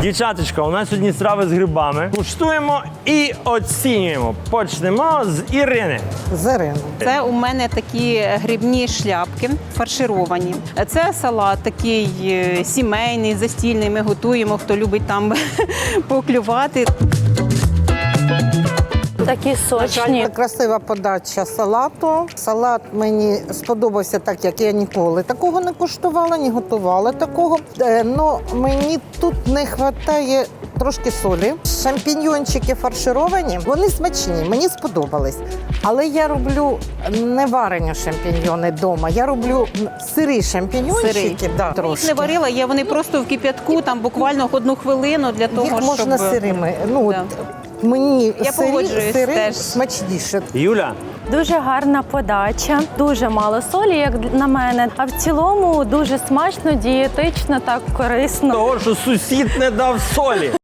Дівчаточка, у нас сьогодні страви з грибами. Куштуємо і оцінюємо. Почнемо з Ірини. З Ірини. Це у мене такі грибні шляпки фаршировані. Це салат такий сімейний, застільний. Ми готуємо, хто любить там поклювати. Такі сочні. Красива подача салату. Салат мені сподобався так, як я ніколи такого не куштувала, не готувала такого. Но мені тут не вистачає трошки солі. Шампіньйончики фаршировані, вони смачні, мені сподобались. Але я роблю не варені шампіньйони вдома, я роблю сирі шампіньйончики. Сирі. Да, Їх трошки. не варила, вони просто в кип'ятку, там буквально 1 хвилину для того, Їх можна щоб... сирими. Да. Мені Я погоджуюсь сири теж. смачніше. Юля, Дуже гарна подача, дуже мало солі, як на мене. А в цілому дуже смачно, дієтично, так корисно. того, що сусід не дав солі.